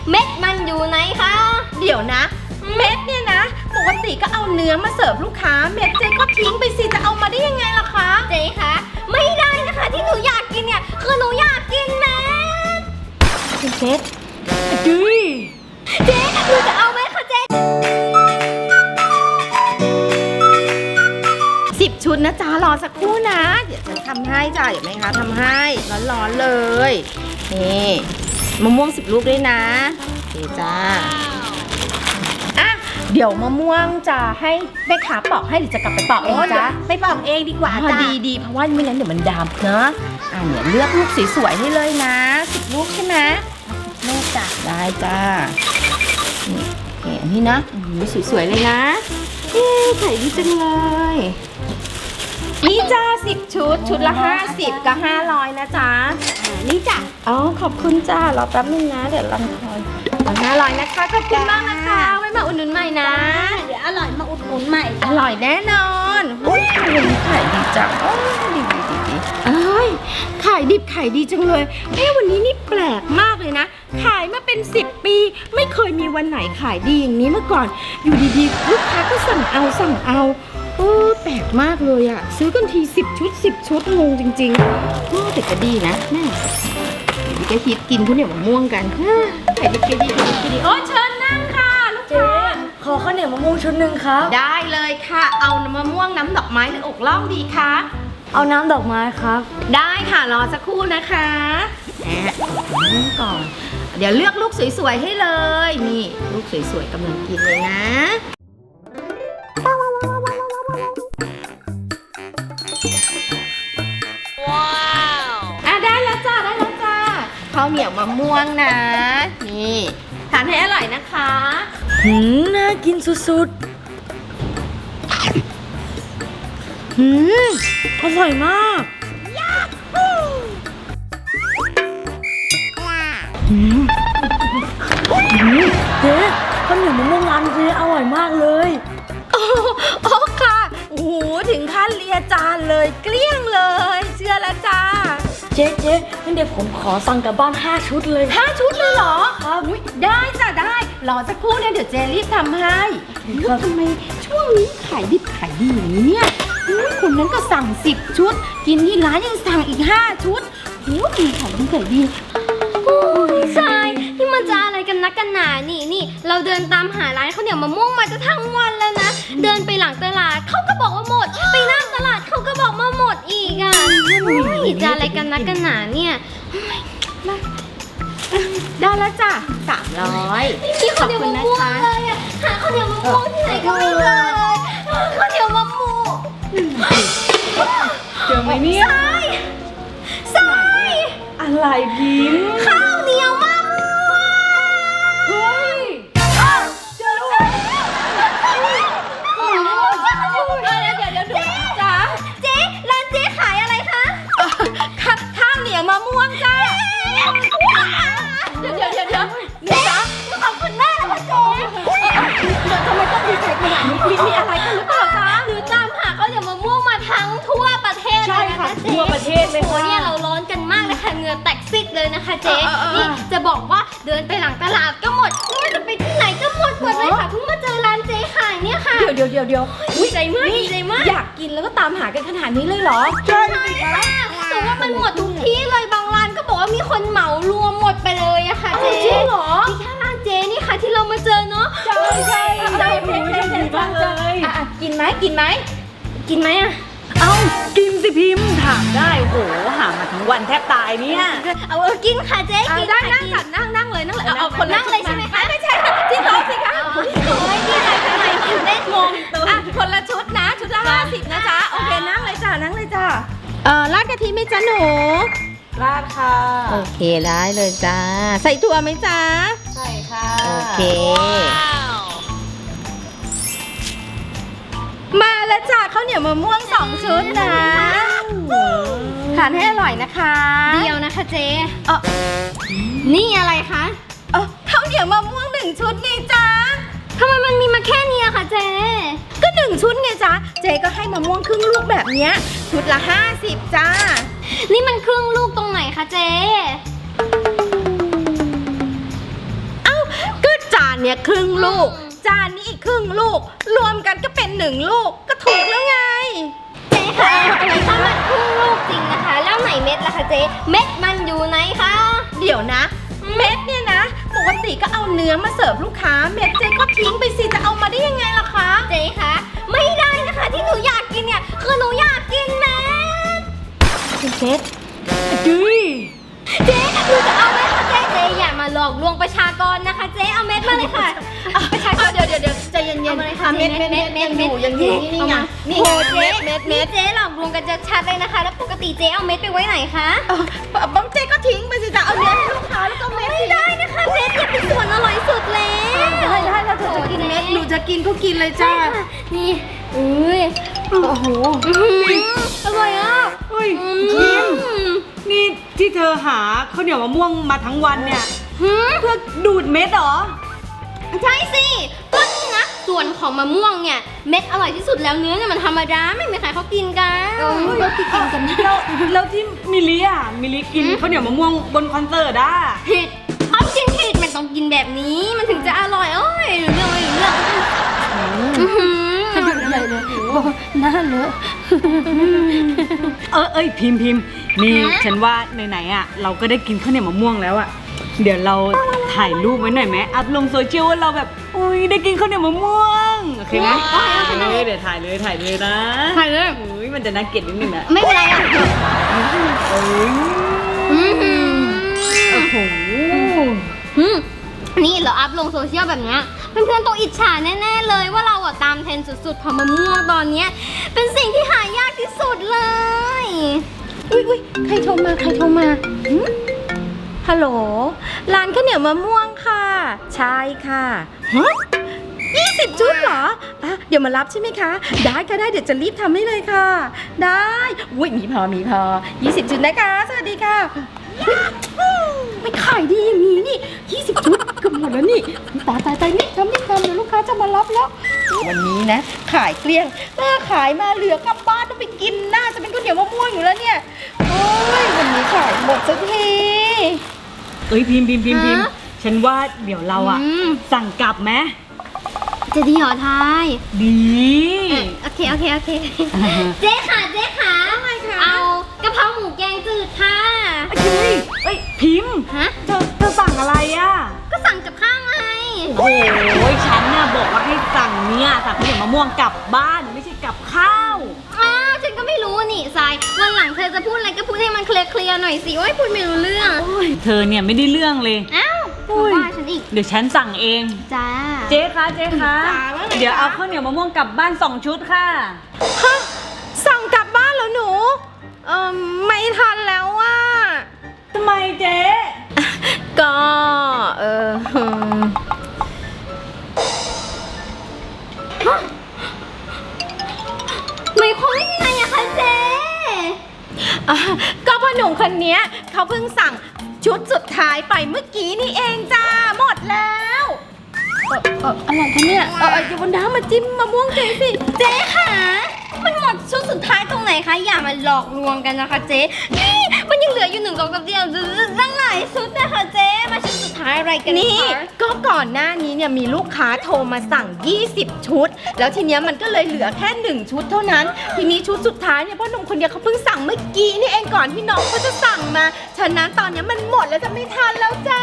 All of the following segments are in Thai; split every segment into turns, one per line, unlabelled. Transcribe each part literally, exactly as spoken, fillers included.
เม็ดมันอยู่ไหนคะ
เดี๋ยวนะเม็ดเนี่ยนะปกติก็เอาเนื้อมาเสิร์ฟลูกค้าเม็ดเจ๊ก็ทิ้งไปสิจะเอามาได้ยังไงล่ะคะ
เจ๊คะไม่ได้นะคะที่หนูอยากกินเนี่ยคือหนูอยากกินเม็ด
เม็ดดุย
เจ๊หนูจะเอาไหมคะเจ๊
สิบชุดนะจ๊ะรอสักครู่นะเดี๋ยวฉันทำให้จ้ะเดี๋ยวแม่ค้าทำให้ร้อนๆเลยนี่มะม่วงสิบลูกด้วยนะโอเคจ้าอ่ะเดี๋ยวมะม่วงจะให้แม่ค้าปอกให้หรือจะกลับไปปอกเองจ๊ะ
ไปปอกเองดีกว่าจ้ะ
ดีดีเพราะว่าไม่งั้นเดี๋ยวมันดำเนอะอ่ะเนี่ยเลือกลูกสวยๆให้เลยนะสิบลูกใช่ไหมลูกจ้ะได้จ้านี่โอเคอันนี้นะสวยๆเลยนะเอ๊ะไข่ดีจังเลยนี่จ้าสิบชุดชุดละห้าสิบกับห้าร้อยนะจ๊ะ
นี่จ้ะ
อ๋อขอบคุณจ้ารอแป๊บนึงนะเดี๋ยวลำคอยห้าร้อยนะคะขอบคุณมากนะคะไว้มาอุดหนุนใหม่นะ
เดี๋ยวอร่อยมาอุดหนุนใหม่
อร่อยแน่นอนอุ้ยวันนี้ขายดีจังโอ้ดีดีดีดีเอ้ยขายดิบขายดีจังเลยเอ๊ะวันนี้นี่แปลกมากเลยนะขายมาเป็นสิบปีไม่เคยมีวันไหนขายดีอย่างนี้มาก่อนอยู่ดีๆลูกค้าก็สั่งเอาสั่งเอาโอ้แปลกมากเลยอะซื้อกันทีสิบชุดสิบชุดงงจริงๆโอ้แต่ก็ดีนะแม่ดีก็ฮิตกินข้าวเหนียวมะม่วงกันไข่ดิบก็ดีก็ดีโอ้เชิญนั่งค่ะลูกค้า
ขอข้าวเหนียวมะม่วงชุดหนึ่งครับ
ได้เลยค่ะเอามะม่วงน้ำดอกไม้หรืออกล่องดีคะ
เอาน้ำดอกไม้ครับ
ได้ค่ะรอสักครู่นะคะแอบนั่งก่อนเดี๋ยวเลือกลูกสวยๆให้เลยนี่ลูกสวยๆกำลังกินเลยนะว้าวอ่ะได้แล้วจ้าได้แล้วจ้าข้าวเหนียวมะม่วงนะนี่ทานให้อร่อยนะคะ
หืมน่ากินสุดๆหืมอร่อยมากหืมเจ๊ข้าวเหนียวมะม่วงร้านเจ๊อร่อยมากเลย
โอ้ค่ะโอ้โหถึงขั้นเลียจานเลยเกลี้ยงเลยเชื่อแล้วจ้า
เจ๊เจ๊งั้นเดี๋ยวผมขอสั่งกลับบ้านห้าชุดเลย
ห้าชุดเลยเหรอครับได้จ้ะได้รอสักครู่นะเดี๋ยวเจรีบทำให้ทำไมช่วงนี้ขายดิบขายดีอย่างนี้เนี่ยคนนั้นก็สั่งสิบชุดกินที่ร้านยังสั่งอีกห้าชุดโอ้ดีขายดีขายดี
ใช่นี่มันจะอะไรกันนักกันหนานี่นี่เราเดินตามหาร้านข้าวเหนียวมะม่วงมาจะทั้งวันแล้วนะเดินไปหลังตลาดเขาก็บอกว่าหมดไปหน้าตลาดเขาก็บอกมาหมดอีกอ่ะนี่จะอะไรกันนักกันหนาเนี่ย
ได้แล้วจ้ะสามร้อย
นี่ข้าวเหนียวมะม่วงเลยอ่ะหาข้าวเหนียวมะม่วงที่ไหนก็ไม่เจอข้าวเหนียวมะม่วง
เจอไหมเนี่ย
ใช่ใช่
อะไรพิมพ์
ข้าวเหนียวมะม่วง
เฮ้ยเจอแล้วเดี๋ยวเดี๋ยวเดี๋ยวจ้า
เจ๊ร้านเจ๊ขายอะไรคะ
ข้าวเหนียวมะม่วงจ้าเดี๋ยวเดี๋ยวเดี๋ยวเดี๋ยวจ้า
ขอบคุณมากนะคะเจ๊
ทำไมต้องดีใจขนาดนี้มีอะไรกันหรือเปล่าจ๊ะ
หรือตามหาข้าวเหนียวมะม่วงมาทั้งทั่วประเทศเลยนะคะเจ๊
ทั่วประเทศเลยค่ะ
เนี่ยเราร้อนกันมากเลยค่ะเหงื่อแตกซิกเลยนะคะเจ๊นี่จะบอกว่าเดินไปหลังตลาดก็หมดไม่ว่าจะไปที่ไหนก็หมดหมดเลยค่ะเพิ่งมาเจอร้านเจ๊ขายเนี่ยค่ะ
เดี๋ยวเดี๋ยวเดี๋ยวเดี๋ยว
ดีใจมากดีใจมาก
อยากกินแล้วก็ตามหากันขนาดนี้เลยเหรอ
ใช่ค่ะแต่ว่ามันหมดทุกที่เลยบางร้านก็บอกว่ามีคนเหมารวมหมดไปเลยอะค่ะเจ๊
จริงเหรอ
ที่แค่ร้านเจ๊นี่ค่ะที่เรามาเจอเนาะ
ใช่ใช่ใช่ใช่ใช่ใช่มากเลยอ่ะกินไหมกินไหม
กินไหมอะ
เอ้ากินสิพิมพ์ถามได้โหหามาทั้งวันแทบตายเนี่ย
เอาเออกินค่ะเจ๊กิน
ได้นั่งจัดนั่งนั่งเลยนั่งเลย
เอาคนนั่งเลยใช่ไหมคะ
ไม่ใช่จิ้มท้องสิคะ
โอ้ยดีใจจังเลยเล่นงง
อ่ะคนละชุดนะชุดละห้าสิบนะจ๊ะโอเคนั่งเลยจ้ะนั่งเลยจ้ะเอ่อราดกะทิไหมจ๊ะหนู
ราดค่ะ
โอเคได้เลยจ้าใส่ถั่วไหมจ๊ะ
ใส่ค่ะ
โอเคมาแล้วจ้ะข้าวเหนียวมะม่วงสองชุดนะทานให้อร่อยนะคะ
เดียวนะคะเจ๊เออนี่อะไรคะ
เออข้าวเหนียวมะม่วงหนึ่งชุดไงจ๊ะ
ทำไมมันมีมาแค่นี้คะเจ๊
ก็หนึ่งชุดไงจ๊ะเจ๊ก็ให้มะม่วงครึ่งลูกแบบเนี้ยชุดละห้าสิบจ้า
นี่มันครึ่งลูกตรงไหนคะเจ๊
เอ้าเนี้ยครึ่งลูก จานนี้อีกครึ่งลูก รวมกันก็เป็นหนึ่งลูกก็ถูกแล้วไง
เจ๊คะถ้ามันครึ่งลูกจริงนะคะ แล้วไหนเม็ดล่ะคะเจ๊เม็ดมันอยู่ไหนคะ
เดี๋ยวนะ เม็ดเนี่ยนะปกติก็เอาเนื้อมาเสิร์ฟลูกค้าเม็ดเจ๊ก็ทิ้งไปสิจะเอามาได้ยังไงล่ะคะ
เจ๊คะไม่ได้นะคะที่หนูอยากกินเนี่ยคือหนูอยากกินเม็ด
เม็ดดุย
เจ๊หนูจะเอาเม็ดค่ะเจ๊เจ๊อย่ามาหลอกลวงประชากรนะคะเจ๊เอาเม็ดมาเลยค่ะประชากร
เดี๋ยวเดี๋ยวเดี๋ยวใจเย็น
เอา
ๆ
มาเลย
อ่ะ
ค่ะ
เม็ดเม็ดเม็ดเม็ดอยู่ยังอยู่นี่ไงนี่
โห
ไง
เจ๊
เม็ดเม็ด
นี่เจ๊หลอกลวงกันจะชัดเลยนะคะ แล้วปกติเจ๊เอาเม็ดไปไว้ไหนคะ
เออบ้องเจ๊ก็ทิ้งไปสิจะเอาเนื้อให้ลูกค้าแล้วก็เม็ด
ไม่ได้นะคะเม็ดเนี่ยเป็นส่วนอร่อยสุดแล้ว
ได้ได้ถ้าเธอจะกินเม็ดหนูจะกินก็กินเลย
ใช่
จ้า
ค่ะนี่อุ้ย
โอ้โห
อื้อหืออร่อยอ่ะ
เฮ้ย
อื
พิม
ม
นี่ที่เธอหาข้าวเหนียวมะม่วงมาทั้งวันเนี่ย
หืม
เพื่อดูดเม็ดเหรอ
ใช่สิก็นี่นะ ส่วนของมะม่วงเนี่ยเม็ดอร่อยที่สุดแล้วเนื้อเนี่ยมันธรรมดาไม่มีใครเขากินกัน
เรากินกันนะ
แล้วแล้วที่มิลิอ่ะมิลิกินข้าวเหนียวมะม่วงบนคอนเสิร์ตอ่ะ
ผิดเขากินผิดมันต้องกินแบบนี้มันถึงจะอร่อยโอ้ยเรื่องอะไรเรื่องอื้อหือ
ใหญ่เลยหน้าเลอะ
เออเอ้ยพิมพ์พิมพ์นี่ฉันว่าไหนๆอ่ะเราก็ได้กินข้าวเหนียวมะม่วงแล้วอ่ะเดี๋ยวเราถ่ายรูปไว้หน่อยไหมอัพลงโซเชียลว่าเราแบบอุ้ยได้กินข้าวเหนียวมะม่วงโอเคไหมเออเดี๋ยวถ่ายเลยถ่ายเลยนะ
ใครเลย
อุ้ยมันจะน่าเกลียดนิดนึงนะ
ไม่เป็นไรอ่ะ
เอ้ย
อื้อหือ
โอ้โห
อืมนี่เราอัพลงโซเชียลแบบเนี้ยเพื่อนๆต้องอิจฉาแน่ๆเลยว่าเราอะตามเทรนด์สุดๆของมะม่วงตอนเนี้ยเป็นสิ่งที่หายากที่สุดเลย
อุ้ยอุ้ยใครโทรมาใครโทรมาหึฮัลโหลร้านข้าวเหนียวมะม่วงค่ะ ใช่ค่ะฮะยี่สิบชุดเหรออ่ะเดี๋ยวมารับใช่ไหมคะ ได้ค่ะได้เดี๋ยวจะรีบทำให้เลยค่ะ ได้อุ้ยมีพอมีพอยี่สิบชุดนะคะสวัสดีค่ะไม่ขายดีอย่างนี้นี่ยี่สิบชุดเกือบหมดแล้วนี่ตายตายตายนี่ทำนี่ทำเดี๋ยวลูกค้าจะมารับแล้ว วันนี้นะ ขายเกลี้ยงเออขายมาเหลือกลับบ้านต้องไปกินน่าจะเป็นข้าวเหนียวมะม่วงอยู่แล้วเนี่ยโอ้ยวันนี้ขายหมดสักที
เอ้ยพิมพ์พิมพ์พิมพ์พิมพ์
ฮะ
ฉันว่าเดี๋ยวเราอะ
อืม
สั่งกลับไหม
จะดีเหรอทาย
ดี
เอ่อโอเคโอเคโอเค
อ่าฮะ
เจ๊ค่ะเจ๊ค่ะเอากะเพราหมูแกงจืดค่ะ
เอ้ยเอ้ยพิมพ์
ฮะ
เธอเธอสั่งอะไรอะ
ก็สั่งกับข้าวไง
โอ้ยฉันน่ะบอกว่าให้สั่งเนี่ยสั่งข้าวเหนียวมะม่วงกลับบ้านไม่ใช่กลับข้าว
อ้าวฉันก็ไม่รู้นี่ทรายวันหลังเธอจะพูดอะไรก็พูดให้มันเคลียร์เคลียร์ๆหน่อยสิโอ้ยพูดไม่รู้เรื่อง
เธอเนี่ยไม่ได้เรื่องเลย
อ้าว
โอ้ย
ว่าฉันอีก
เดี๋ยวฉันสั่งเอง
จ้า
เจ๊คะเจ๊คะ
จ๋าว่าไง
เดี๋ยว
จ๊ะ
เอาข้าวเหนียวมะม่วงกลับบ้านสองชุดค่ะ
ฮะสั่งกลับบ้านแล้วหนูเออไม่ทันแล้วว่า
ทำไมเจ๊
ก็เออ
ไม่ค่อยยังไงอะคะเจ๊
อ่ะก็พ่อหนุ่มคนเนี้ยเขาเพิ่งสั่งชุดสุดท้ายไปเมื่อกี้นี่เองจ้าหมดแล้วเออเอออะไรคะเนี่ยเออเอออย่าบนน้ำมาจิ้มมะม่วงเจ๊สิ
เจ๊ค่ะมันหมดชุดสุดท้ายตรงไหนคะอย่ามาหลอกลวงกันนะคะเจ๊นี่มันยังเหลืออยู่หนึ่งสองสามเดียวตั้งหลายชุดนะคะเจ๊มาชุดสุดท้ายอะไรกัน
นี่
คะ
ก็ก่อนหน้านี้เนี่ยมีลูกค้าโทรมาสั่ง ยี่สิบ ชุด แล้วทีเนี้ยมันก็เลยเหลือแค่หนึ่งชุดเท่านั้น ทีนี้ชุดสุดท้ายเนี่ยพ่อหนุ่มคนเดียวเขาเพิ่งสั่งเมื่อกี้นี่เองก่อนที่น้องเขาจะสั่งมา ฉะนั้นตอนเนี้ยมันหมดแล้วจะไม่ทันแล้วจ้า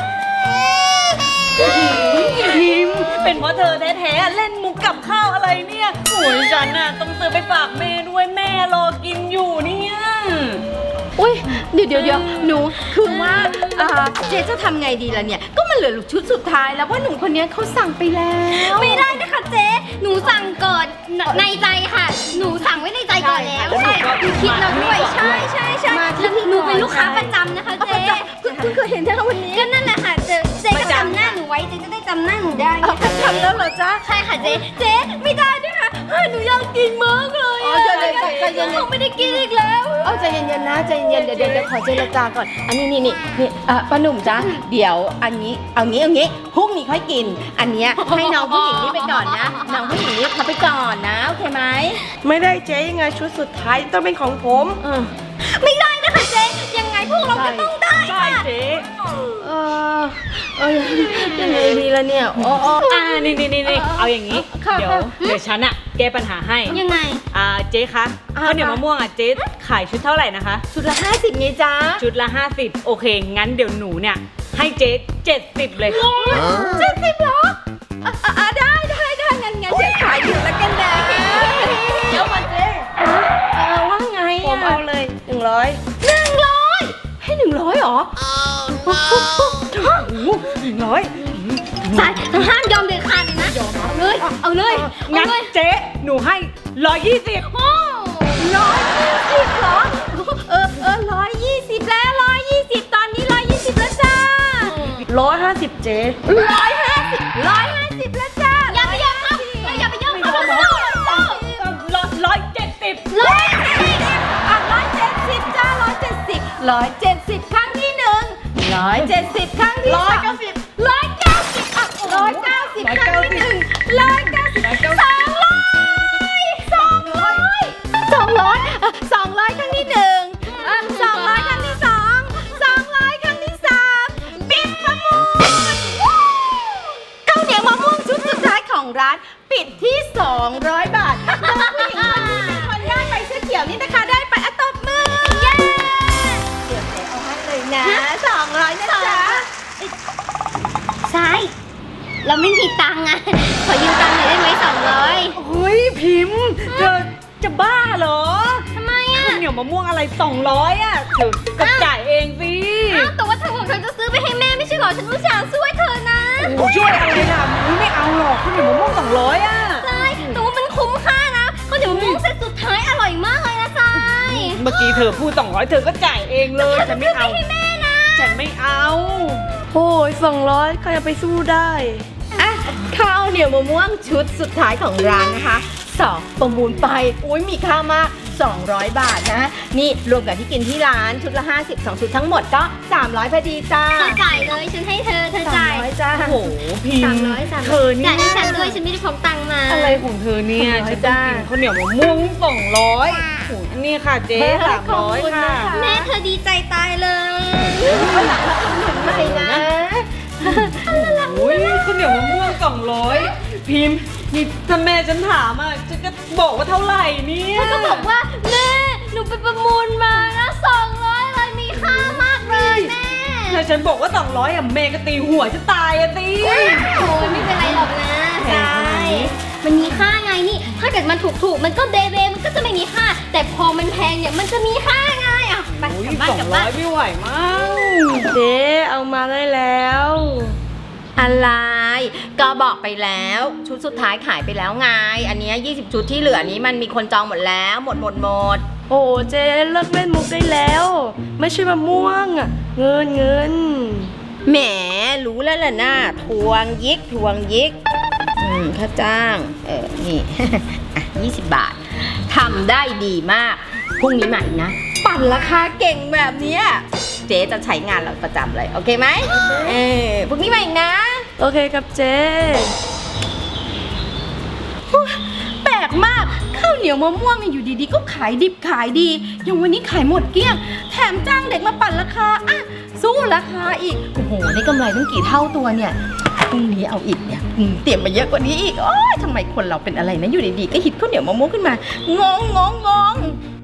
พิมพ์เป็นเพราะเธอแท้ๆเล่นมุกกับข้าวอะไรเนี่ยโอ้ยฉันน่ะต้องซื้อไปฝากแม่ด้วยแม่รอกินอยู่เนี่ย
อุ้ยเดี๋ยวเดี๋ยวเดี๋ยวหนูคือว่าเอ่อเจ๊จะทำไงดีล่ะเนี่ย ก็มันเหลือชุดสุดท้ายแล้วเพราะหนุ่มคนเนี้ยเขาสั่งไปแล้ว
ไม่ได้นะคะเจ๊หนูสั่งก่อนในใจค่ะ หนูสั่งไว้ในใจก่อนแล้วใช่คิดแล้วด้วยใช่ใช่ใช่
มาที่
แล้วหนูเป็นลูกค้าประจำนะคะ
เอา
เจ๊
ประจำคุณคุณเคยเห็นแค่วันนี้
ก็นั่นแหละค่ะเจ๊เจ๊ก็จำหน้าหนูไว้เจ๊จะได้จำหน้าหนูได้
เอา
ไง
ประจำแล้วเหรอจ๊ะ
ใช่ค่ะเจ๊เจ๊ไม่ได้ด้วยค่ะเฮ้ยหนูอยากกินมากเลย
อ๋อเดี๋ยวเดี๋ยวใจเย็นๆ
หนูไม่ได้กินอีกแล้ว
เอาใจเย็นๆนะใจเย็นๆเดี๋ยวเดี๋ยวเดี๋ยวขอเจรจาก่อน อันนี้นี่นี่นี่เอ่อป้าหนุ่มจ๊ะเดี๋ยวอันนี้เอางี้เอางี้พรุ่งนี้ค่อยกิน อันเนี้ยให้น้องผู้หญิงนี่ไปก่อนนะน้องผู้หญิงนี่เขาไปก่อนนะโอเคไหม
ไม่ได้เจ๊ยังไงชุดสุดท้ายต้องเป็นของผม
เออ
ไม่ได้นะคะเจ๊ยังไงพวกเราก็ต้องได้
ใช่
เจ๊
เออเออยังไงดีล่ะเนี่ยอ๋ออ๋อ
อ่านี่นี่นี่นี่เอาอย่างนี้
ค่ะ
เดี๋ยว
ค่ะ
เดี๋ยวฉันอะแก้ปัญหาให้
ยังไง
อ่าเจ๊คะ
อ่า
ข้าวเหนียวมะม่วงอะเจ๊ขายชุดเท่าไหร่นะคะ
ชุดละห้าสิบไงจ๊ะ
ชุดละห้าสิบโอเค งั้นเดี๋ยวหนูเนี่ยให้เจ๊เจ็ดสิบเลย
เจ็ดสิบเหรออ่ะอ่ะอ่ะได้ได้ได้งั้นงั้นเดี๋ยวขายอยู่แล้วกันนะ
เดี๋ยวก่อนเจ๊
เออว่าไง
ผม
อ่ะ
เอาเลยหนึ่งร้อย
หนึ่งร้อยให้หนึ่งร้อยเหรอ
โอ้โหหนึ่งร้อย
สายห้ามยอมเด็ดขาดเลยนะเอาเลย เอาเลย
งั้น
เอาเลย
เจ๊หนูให้ร้อยยี่สิบ
โอ้
ร้อยยี่สิบเหรอ เออเออร้อยยี่สิบแล้วร้อยยี่สิบตอนนี้ร้อยยี่สิบแล้วจ้า
ร้อยห้าสิบเจ๊
ร้อยห้าสิบร้อยห้าสิบแล้วจ้า
อย่าไปยอมเขาเราอย่าไปยอมเขา
ร้อยร้อยเจ็ดสิบ
ร้อยเจ็ดสิบอ่ะร้อยเจ็ดสิบจ้าร้อยเจ็ดสิบร้อยเจ็ดสิบครั้งที่หนึ่งร้อยเจ็ดสิบครั้งที่สองร้อยเก้าสิบร้อยเก้าสิบอ่ะร้อยเก้าสิบครั้งที่หนึ่งร้อยเก้าสิบสองร้อยสองร้อยสองร้อยอ่ะสองร้อยครั้งที่หนึ่งอ่ะสองร้อยครั้งที่สองสองร้อยครั้งที่สามปิดประมูลข้าวเหนียวมะม่วงชุดสุดท้ายของร้านปิดที่สองร้อยบาทน้องผู้หญิงคนนี้เป็นคนได้ไปเสื้อเขียวนี่นะคะได้ไปอะตบมือเย้เดี๋ยวเจ๊เอาให้เลยนะสองร้อยนะจ๊ะ
สาย เราไม่มีตังค์อ่ะ ขอยืมตังค์หน่อยได้ไหมสองร้อย
เฮ้ยพิมพ์เธอจะบ้าเหรอ
ทำไมอ่ะ
ข้าวเหนียวมะม่วงอะไรสองร้อยอ่ะเธอก็จ่ายเองสิ
อ้าวแต่ว่าเธอบอกเธอจะซื้อไปให้แม่ไม่ใช่เหรอ ฉันอุตส่าห์ช่วยเธอนะ
โอ้ช่วยอะไรล่ะไม่เอาหรอกข้าวเหนียวมะม่วงสองร้อยอ่ะ
สายแต่ว่ามันคุ้มค่านะข้าวเหนียวมะม่วงเซตสุดท้ายอร่อยมากเลยนะสาย
เมื่อกี้เธอพูดสองร้อยเธอก็จ่ายเองเลยฉันไม่เอา
ให้แม่นะ
ฉันไม่เอา
โอ้ยสองร้อยใครจะไปสู้ได้
อ่ะข้าวเหนียวมะม่วงชุดสุดท้ายของร้านนะคะสองประมูลไปอุ้ยมีค่ามากสองร้อยบาทนะ นี่รวมกับที่กินที่ร้านชุดละห้าสิบ สองชุดทั้งหมดก็สามร้อยพอดีจ้า
เธอจ่ายเลย ฉันให้เธอ เธอจ่าย
สามร้อยจ้า
โอ้โหพิ
สาม
มพ์
ร้อยสาม
เธ
ร้อ
อย นี่
จ่ายให้ฉันด้วย ฉันไม่ได้พกตังค์มา
อะไรของเธอเนี่ย
สองร้อย
ฉันต้องกินข้าวเหนียวมะม่วงสองร้อยโอ้โหอันนี้ค่ะเจ๊
เฮ้ย
สามร้อย
ขอบคุณ
ค่ะ
นะคะ
แม่เธอดีใจตายเลย
วันหลังมาอุดหนุนใหม่นะ
โอ้ยข้าวเหนียวมะม่วงสองร้อยพิมพ์นี่ถ้าแม่ฉันถามอ่ะฉันก็บอกว่าเท่าไหร่เนี่ย
เธอก็บอกว่าแม่ หนูไปประมูลมานะสองร้อยเลยมีค่ามากเลยแม่
ถ้าฉันบอกว่าสองร้อยอ่ะแม่ก็ตีหัวจะตายอ่ะตี
โอ้ยไม่เป็นไรหรอกนะใช่มันมีค่าไงนี่ ถ้าเกิดมันถูกถูกๆมันก็เดเดมันก็จะไม่มีค่า แต่พอมันแพงเนี่ยมันจะมีค่าไงอ่ะไป
โอ้ย
กลับบ้าน
สอก
ลับ
งร้
บ้า
อน ยไม่ไหวมั้ง
เจ๊เอามาได้แล้ว
อะไร ก็บอกไปแล้ว ชุดสุดท้ายขายไปแล้วไง อันเนี้ยยี่สิบชุดที่เหลือนี้มันมีคนจองหมดแล้ว หมดหมดหมด
โอ้เจ๊เลิกเล่นมุกได้แล้ว ไม่ใช่มะม่วงอะเงินเงิน
แหมรู้แล้วล่ะนะทวงยิกทวงยิก อืมค่าจ้าง เออ นี่ อ่ะยี่สิบบาททำได้ดีมาก พรุ่งนี้ใหม่นะ ปั่นราคาเก่งแบบเนี้ยเจ๊จะใช้งานเราประจำเลย โอเคไหมเออพรุ่งนี้ใหม่นะ
โอเคครับเจ๊
แปลกมาก ข้าวเหนียวมะม่วงเนี่ยอยู่ดีๆ ก็ขายดิบขายดี อย่างวันนี้ขายหมดเกลี้ยง แถมจ้างเด็กมาปั่นราคา อ่ะ สู้ราคาอีก โอ้โห ได้กำไรตั้งกี่เท่าตัวเนี่ย พรุ่งนี้เอาอีกเนี่ยอืมเตรียมมาเยอะกว่านี้อีก โอ้ยทำไมคนเราเป็นอะไรนะ อยู่ดีๆ ก็ฮิตข้าวเหนียวมะม่วงขึ้นมา งงงงงง